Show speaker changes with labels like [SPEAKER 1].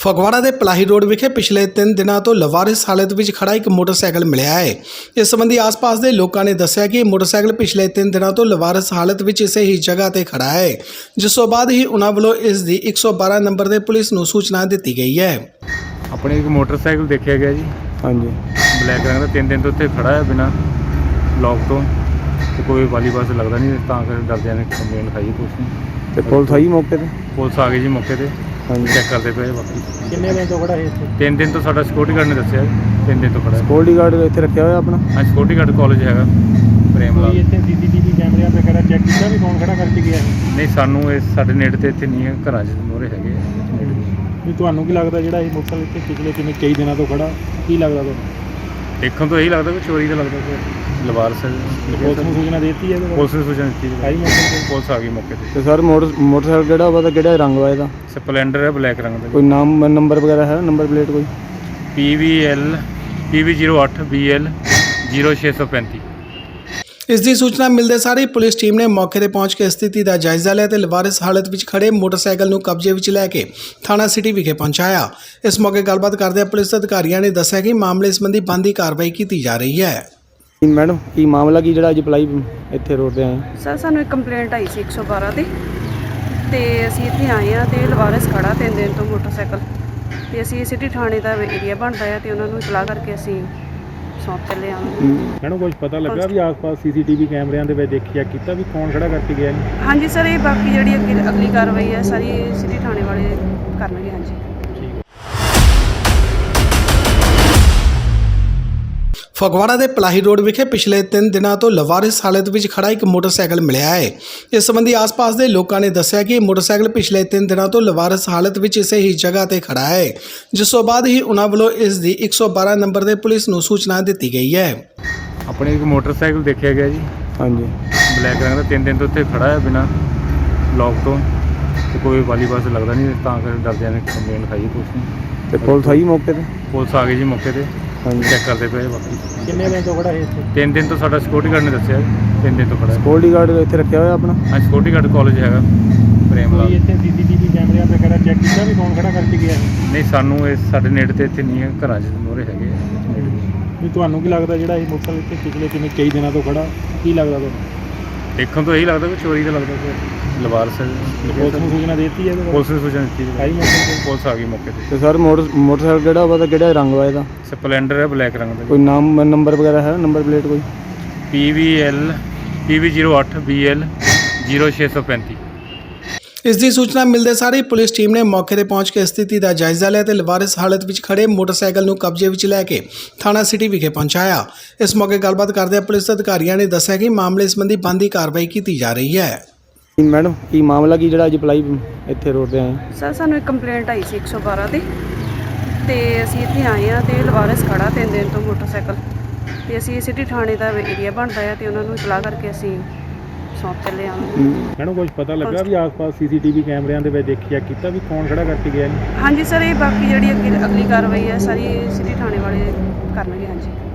[SPEAKER 1] ਫਗਵਾੜਾ ਦੇ ਪਲਾਹੀ ਰੋਡ ਵਿਖੇ ਪਿਛਲੇ 3 ਦਿਨਾਂ ਤੋਂ ਲਵਾਰਿਸ ਹਾਲਤ ਵਿੱਚ ਖੜਾ ਇੱਕ ਮੋਟਰਸਾਈਕਲ ਮਿਲਿਆ ਹੈ। ਇਸ ਸੰਬੰਧੀ ਆਸ-ਪਾਸ ਦੇ ਲੋਕਾਂ ਨੇ ਦੱਸਿਆ ਕਿ ਇਹ ਮੋਟਰਸਾਈਕਲ ਪਿਛਲੇ 3 ਦਿਨਾਂ ਤੋਂ ਲਵਾਰਿਸ ਹਾਲਤ ਵਿੱਚ ਇਸੇ ਹੀ ਜਗ੍ਹਾ ਤੇ ਖੜਾ ਹੈ, ਜਿਸ ਤੋਂ ਬਾਅਦ ਹੀ ਉਹਨਾਂ ਵੱਲੋਂ ਇਸ ਦੀ 112 ਨੰਬਰ ਦੇ ਪੁਲਿਸ ਨੂੰ ਸੂਚਨਾ ਦਿੱਤੀ ਗਈ ਹੈ।
[SPEAKER 2] ਆਪਣੇ ਇੱਕ ਮੋਟਰਸਾਈਕਲ ਦੇਖਿਆ ਗਿਆ ਜੀ।
[SPEAKER 3] ਹਾਂਜੀ
[SPEAKER 2] ਬਲੈਕ ਰੰਗ ਦਾ 3 ਦਿਨ ਤੋਂ ਉੱਥੇ ਖੜਾ ਹੈ ਬਿਨਾਂ ਲੌਕ ਤੋਂ, ਤੇ ਕੋਈ ਵਾਲੀ ਬੱਸ ਲੱਗਦਾ ਨਹੀਂ, ਤਾਂ ਕਰਕੇ ਡਰਦਿਆਂ ਨੇ ਕੰਪਲੇਂਟ ਲਿਖਾਈ ਪੁਲਿਸ ਨੂੰ।
[SPEAKER 3] ਤੇ ਪੁਲਿਸ ਆਈ ਮੌਕੇ ਤੇ?
[SPEAKER 2] ਪੁਲਿਸ ਆ ਗਈ ਜੀ ਮੌਕੇ ਤੇ,
[SPEAKER 3] ਹਾਂਜੀ
[SPEAKER 2] ਚੈੱਕ ਕਰਦੇ ਪਏ। ਬਾਕੀ
[SPEAKER 3] ਕਿੰਨੇ ਦਿਨ ਤੋਂ ਖੜਾ ਹੈ ਇੱਥੇ?
[SPEAKER 2] 3 ਦਿਨ ਤੋਂ ਸਾਡਾ ਸਿਕਿਉਰਿਟੀ ਗਾਰਡ ਨੇ ਦੱਸਿਆ 3 ਦਿਨ ਤੋਂ ਖੜਾ ਹੈ।
[SPEAKER 3] ਸਿਕਿਉਰਿਟੀ ਗਾਰਡ ਇੱਥੇ ਰੱਖਿਆ ਹੋਇਆ ਆਪਣਾ?
[SPEAKER 2] ਹਾਂ, ਸਿਕਿਉਰਿਟੀ ਗਾਰਡ ਕਾਲਜ ਹੈਗਾ ਪ੍ਰੇਮ ਲਾਲ।
[SPEAKER 3] ਇੱਥੇ ਸੀਸੀਟੀਵੀ ਕੈਮਰਿਆਂ ਵਗੈਰਾ ਚੈੱਕ ਕੀਤਾ ਵੀ ਕੌਣ ਖੜਾ ਕਰਕੇ ਗਿਆ ਹੈ?
[SPEAKER 2] ਨਹੀਂ, ਸਾਨੂੰ ਇਹ ਸਾਡੇ ਨੇੜੇ ਤੇ ਇੱਥੇ ਨਹੀਂ ਹੈ, ਘਰਾਂ 'ਚ ਮੋਹਰੇ ਹੈਗੇ ਆ ਨੇੜੇ।
[SPEAKER 3] ਵੀ ਤੁਹਾਨੂੰ ਕੀ ਲੱਗਦਾ ਜਿਹੜਾ ਇਹ ਮੋਟਰਸਾਈਕਲ ਇੱਥੇ ਪਿਛਲੇ ਕਈ ਦਿਨਾਂ ਤੋਂ ਖੜਾ, ਕੀ ਲੱਗਦਾ ਤੁਹਾਨੂੰ?
[SPEAKER 2] ਦੇਖਣ ਤੋਂ ਇਹੀ ਲੱਗਦਾ ਕਿ ਚੋਰੀ ਦਾ ਲੱਗਦਾ ਕਿ ਲਵਾਰਸ
[SPEAKER 3] ਪੁਲਿਸ ਨੂੰ ਸੂਚਨਾ ਦੇ ਦਿੱਤੀ ਹੈ?
[SPEAKER 2] ਪੁਲਿਸ ਨੇ ਸੂਚਨਾ ਦਿੱਤੀ
[SPEAKER 3] ਆਈ ਮੌਕੇ ਤੇ?
[SPEAKER 2] ਪੁਲਿਸ ਆ ਗਈ ਮੌਕੇ ਤੇ।
[SPEAKER 3] ਤੇ ਸਰ ਮੋਟਰਸਾਈਕਲ ਕਿਹੜਾ ਵਾ, ਕਿਹੜਾ ਰੰਗ ਵਾ ਇਹਦਾ?
[SPEAKER 2] ਸਪਲੈਂਡਰ ਹੈ ਬਲੈਕ ਰੰਗ ਦਾ।
[SPEAKER 3] ਕੋਈ ਨਾਮ ਨੰਬਰ ਵਗੈਰਾ ਹੈ, ਨੰਬਰ ਪਲੇਟ ਕੋਈ?
[SPEAKER 2] PV08 BL 0635।
[SPEAKER 1] ਇਸ ਦੀ ਸੂਚਨਾ ਮਿਲਦੇ ਸਾਰ ਹੀ ਪੁਲਿਸ ਟੀਮ ਨੇ ਮੌਕੇ ਤੇ ਪਹੁੰਚ ਕੇ ਸਥਿਤੀ ਦਾ ਜਾਇਜ਼ਾ ਲਿਆ ਤੇ ਲਵਾਰਿਸ ਹਾਲਤ ਵਿੱਚ ਖੜੇ ਮੋਟਰਸਾਈਕਲ ਨੂੰ ਕਬਜ਼ੇ ਵਿੱਚ ਲੈ ਕੇ ਥਾਣਾ ਸਿਟੀ ਵਿਖੇ ਪਹੁੰਚਾਇਆ। ਇਸ ਮੌਕੇ ਗੱਲਬਾਤ ਕਰਦਿਆਂ ਪੁਲਿਸ ਅਧਿਕਾਰੀਆਂ ਨੇ ਦੱਸਿਆ ਕਿ ਮਾਮਲੇ ਸੰਬੰਧੀ ਬਣਦੀ ਕਾਰਵਾਈ ਕੀਤੀ ਜਾ ਰਹੀ ਹੈ।
[SPEAKER 3] ਮੈਡਮ ਕੀ ਮਾਮਲਾ ਕੀ ਜਿਹੜਾ ਅੱਜ ਪਲਾਈ ਇੱਥੇ ਰੋਡ ਤੇ ਆਏ?
[SPEAKER 4] ਸਰ, ਸਾਨੂੰ ਇੱਕ ਕੰਪਲੇਂਟ ਆਈ ਸੀ 112 ਤੇ ਅਸੀਂ ਇੱਥੇ ਆਏ ਆ ਤੇ ਲਵਾਰਿਸ ਖੜਾ 3 ਦਿਨ ਤੋਂ ਮੋਟਰਸਾਈਕਲ, ਤੇ ਅਸੀਂ ਸਿਟੀ ਥਾਣੇ ਦਾ ਏਰੀਆ ਬਣਦਾ ਆ ਤੇ ਉਹਨਾਂ ਨੂੰ ਇਤਲਾਹ ਕਰਕੇ ਅਸੀਂ ਸੌਂਪ ਚੱਲੇ ਆ।
[SPEAKER 3] ਮੈਨੂੰ ਕੁਝ ਪਤਾ ਲੱਗਾ ਵੀ ਆਸ-ਪਾਸ ਸੀਸੀਟੀਵੀ ਕੈਮਰਿਆਂ ਦੇ ਵਿੱਚ ਦੇਖਿਆ ਕੀਤਾ ਵੀ ਕੌਣ ਖੜਾ ਕਰਕੇ ਗਿਆ?
[SPEAKER 4] ਹਾਂਜੀ ਸਰ, ਇਹ ਬਾਕੀ ਜਿਹੜੀ ਅਗਲੀ ਕਾਰਵਾਈ ਹੈ ਸਾਰੀ ਸਿਟੀ ਥਾਣੇ ਵਾਲੇ ਕਰਨਗੇ। ਹਾਂਜੀ।
[SPEAKER 1] ਫਗਵਾੜਾ ਦੇ ਪਲਾਹੀ ਰੋਡ ਵਿਖੇ ਪਿਛਲੇ 3 ਦਿਨਾਂ ਤੋਂ ਲਵਾਰਿਸ ਹਾਲਤ ਵਿੱਚ ਖੜਾ ਇੱਕ ਮੋਟਰਸਾਈਕਲ ਮਿਲਿਆ ਹੈ। ਇਸ ਸੰਬੰਧੀ ਆਸ-ਪਾਸ ਦੇ ਲੋਕਾਂ ਨੇ ਦੱਸਿਆ ਕਿ ਇਹ ਮੋਟਰਸਾਈਕਲ ਪਿਛਲੇ 3 ਦਿਨਾਂ ਤੋਂ ਲਵਾਰਿਸ ਹਾਲਤ ਵਿੱਚ ਇਸੇ ਹੀ ਜਗ੍ਹਾ ਤੇ ਖੜਾ ਹੈ, ਜਿਸ ਤੋਂ ਬਾਅਦ ਹੀ ਉਹਨਾਂ ਵੱਲੋਂ ਇਸ ਦੀ 112 ਨੰਬਰ ਦੇ ਪੁਲਿਸ ਨੂੰ ਸੂਚਨਾ ਦਿੱਤੀ ਗਈ ਹੈ।
[SPEAKER 2] ਆਪਣੇ ਇੱਕ ਮੋਟਰਸਾਈਕਲ ਦੇਖਿਆ ਗਿਆ ਜੀ।
[SPEAKER 3] ਹਾਂਜੀ
[SPEAKER 2] ਬਲੈਕ ਰੰਗ ਦਾ 3 ਦਿਨ ਤੋਂ ਉੱਥੇ ਖੜਾ ਹੈ ਬਿਨਾਂ ਲੌਕ ਤੋਂ, ਤੇ ਕੋਈ ਵਾਲੀ ਬੱਸ ਲੱਗਦਾ ਨਹੀਂ, ਤਾਂ ਕਰਕੇ ਡਰਦਿਆਂ ਨੇ ਕੰਪਲੇਂਟ ਲਿਖਾਈ ਪੁਲਿਸ ਨੂੰ।
[SPEAKER 3] ਤੇ ਪੁਲਿਸ ਆਈ ਮੌਕੇ ਤੇ?
[SPEAKER 2] ਪੁਲਿਸ ਆ ਗਈ ਜੀ ਮੌਕੇ ਤੇ,
[SPEAKER 3] ਹਾਂਜੀ
[SPEAKER 2] ਚੈੱਕ ਕਰਦੇ ਪਏ। ਬਾਕੀ
[SPEAKER 3] ਕਿੰਨੇ ਦਿਨ ਤੋਂ ਖੜਾ ਹੈ ਇੱਥੇ?
[SPEAKER 2] 3 ਦਿਨ ਤੋਂ ਸਾਡਾ ਸਿਕਿਉਰਿਟੀ ਗਾਰਡ ਨੇ ਦੱਸਿਆ 3 ਦਿਨ ਤੋਂ ਖੜਾ ਹੈ।
[SPEAKER 3] ਸਿਕਿਉਰਿਟੀ ਗਾਰਡ ਇੱਥੇ ਰੱਖਿਆ ਹੋਇਆ ਆਪਣਾ?
[SPEAKER 2] ਹਾਂ, ਸਿਕਿਉਰਿਟੀ ਗਾਰਡ ਕਾਲਜ ਹੈਗਾ ਪ੍ਰੇਮ ਲਾਲ।
[SPEAKER 3] ਇੱਥੇ ਸੀਸੀਟੀਵੀ ਕੈਮਰਿਆਂ ਵਗੈਰਾ ਚੈੱਕ ਕੀਤਾ ਵੀ ਕੌਣ ਖੜਾ ਕਰਕੇ ਗਿਆ ਹੈ?
[SPEAKER 2] ਨਹੀਂ, ਸਾਨੂੰ ਇਹ ਸਾਡੇ ਨੇੜੇ ਤੇ ਇੱਥੇ ਨਹੀਂ ਹੈ, ਘਰਾਂ 'ਚ ਮੋਹਰੇ ਹੈਗੇ ਆ ਨੇੜੇ।
[SPEAKER 3] ਵੀ ਤੁਹਾਨੂੰ ਕੀ ਲੱਗਦਾ ਜਿਹੜਾ ਇਹ ਮੋਟਰਸਾਈਕਲ ਇੱਥੇ ਪਿਛਲੇ ਕਈ ਦਿਨਾਂ ਤੋਂ ਖੜਾ, ਕੀ ਲੱਗਦਾ ਤੁਹਾਨੂੰ?
[SPEAKER 2] ਦੇਖਣ ਤੋਂ ਇਹੀ ਲੱਗਦਾ ਕਿ ਚੋਰੀ ਦਾ ਲੱਗਦਾ ਕਿ ਲਵਾਰਸ
[SPEAKER 3] ਪੁਲਿਸ ਨੂੰ ਸੂਚਨਾ ਦੇ ਦਿੱਤੀ ਹੈ?
[SPEAKER 2] ਪੁਲਿਸ ਨੇ ਸੂਚਨਾ ਦਿੱਤੀ
[SPEAKER 3] ਆਈ ਮੌਕੇ ਤੇ?
[SPEAKER 2] ਪੁਲਿਸ ਆ ਗਈ ਮੌਕੇ ਤੇ।
[SPEAKER 3] ਤੇ ਸਰ ਮੋਟਰਸਾਈਕਲ ਕਿਹੜਾ ਵਾ, ਕਿਹੜਾ ਰੰਗ ਵਾ ਇਹਦਾ?
[SPEAKER 2] ਸਪਲੈਂਡਰ ਹੈ ਬਲੈਕ ਰੰਗ ਦਾ।
[SPEAKER 3] ਕੋਈ ਨਾਮ ਨੰਬਰ ਵਗੈਰਾ ਹੈ, ਨੰਬਰ ਪਲੇਟ ਕੋਈ?
[SPEAKER 2] PV08 BL 0635।
[SPEAKER 1] ਇਸ ਦੀ ਸੂਚਨਾ ਮਿਲਦੇ ਸਾਰ ਹੀ ਪੁਲਿਸ ਟੀਮ ਨੇ ਮੌਕੇ ਤੇ ਪਹੁੰਚ ਕੇ ਸਥਿਤੀ ਦਾ ਜਾਇਜ਼ਾ ਲਿਆ ਤੇ ਲਵਾਰਿਸ ਹਾਲਤ ਵਿੱਚ ਖੜੇ ਮੋਟਰਸਾਈਕਲ ਨੂੰ ਕਬਜ਼ੇ ਵਿੱਚ ਲੈ ਕੇ ਥਾਣਾ ਸਿਟੀ ਵਿਖੇ ਪਹੁੰਚਾਇਆ। ਇਸ ਮੌਕੇ ਗੱਲਬਾਤ ਕਰਦਿਆਂ ਪੁਲਿਸ ਅਧਿਕਾਰੀਆਂ ਨੇ ਦੱਸਿਆ ਕਿ ਮਾਮਲੇ ਸੰਬੰਧੀ ਬਣਦੀ ਕਾਰਵਾਈ ਕੀਤੀ ਜਾ ਰਹੀ ਹੈ।
[SPEAKER 3] ਮੈਡਮ ਕੀ ਮਾਮਲਾ ਕੀ ਜਿਹੜਾ ਅੱਜ ਪਲਾਈ ਇੱਥੇ ਰੋਡ ਤੇ ਆਏ?
[SPEAKER 4] ਸਰ, ਸਾਨੂੰ ਇੱਕ ਕੰਪਲੇਂਟ ਆਈ ਸੀ 112 ਤੇ ਅਸੀਂ ਇੱਥੇ ਆਏ ਆ ਤੇ ਲਵਾਰਿਸ ਖੜਾ 3 ਦਿਨ ਤੋਂ ਮੋਟਰਸਾਈਕਲ, ਤੇ ਅਸੀਂ ਸਿਟੀ ਥਾਣੇ ਦਾ ਏਰੀਆ ਬਣਦਾ ਆ ਤੇ ਉਹਨਾਂ ਨੂੰ ਇਤਲਾਹ ਕਰਕੇ ਅਸੀਂ ਸੌਂਪ ਚੱਲੇ ਆ।
[SPEAKER 3] ਮੈਨੂੰ ਕੁਝ ਪਤਾ ਲੱਗਾ ਵੀ ਆਸ-ਪਾਸ ਸੀਸੀਟੀਵੀ ਕੈਮਰਿਆਂ ਦੇ ਵਿੱਚ ਦੇਖਿਆ ਕੀਤਾ ਵੀ ਕੌਣ ਖੜਾ ਕਰਕੇ ਗਿਆ?
[SPEAKER 4] ਹਾਂਜੀ ਸਰ, ਇਹ ਬਾਕੀ ਜਿਹੜੀ ਅਗਲੀ ਕਾਰਵਾਈ ਹੈ ਸਾਰੀ ਸਿਟੀ ਥਾਣੇ ਵਾਲੇ ਕਰਨਗੇ। ਹਾਂਜੀ।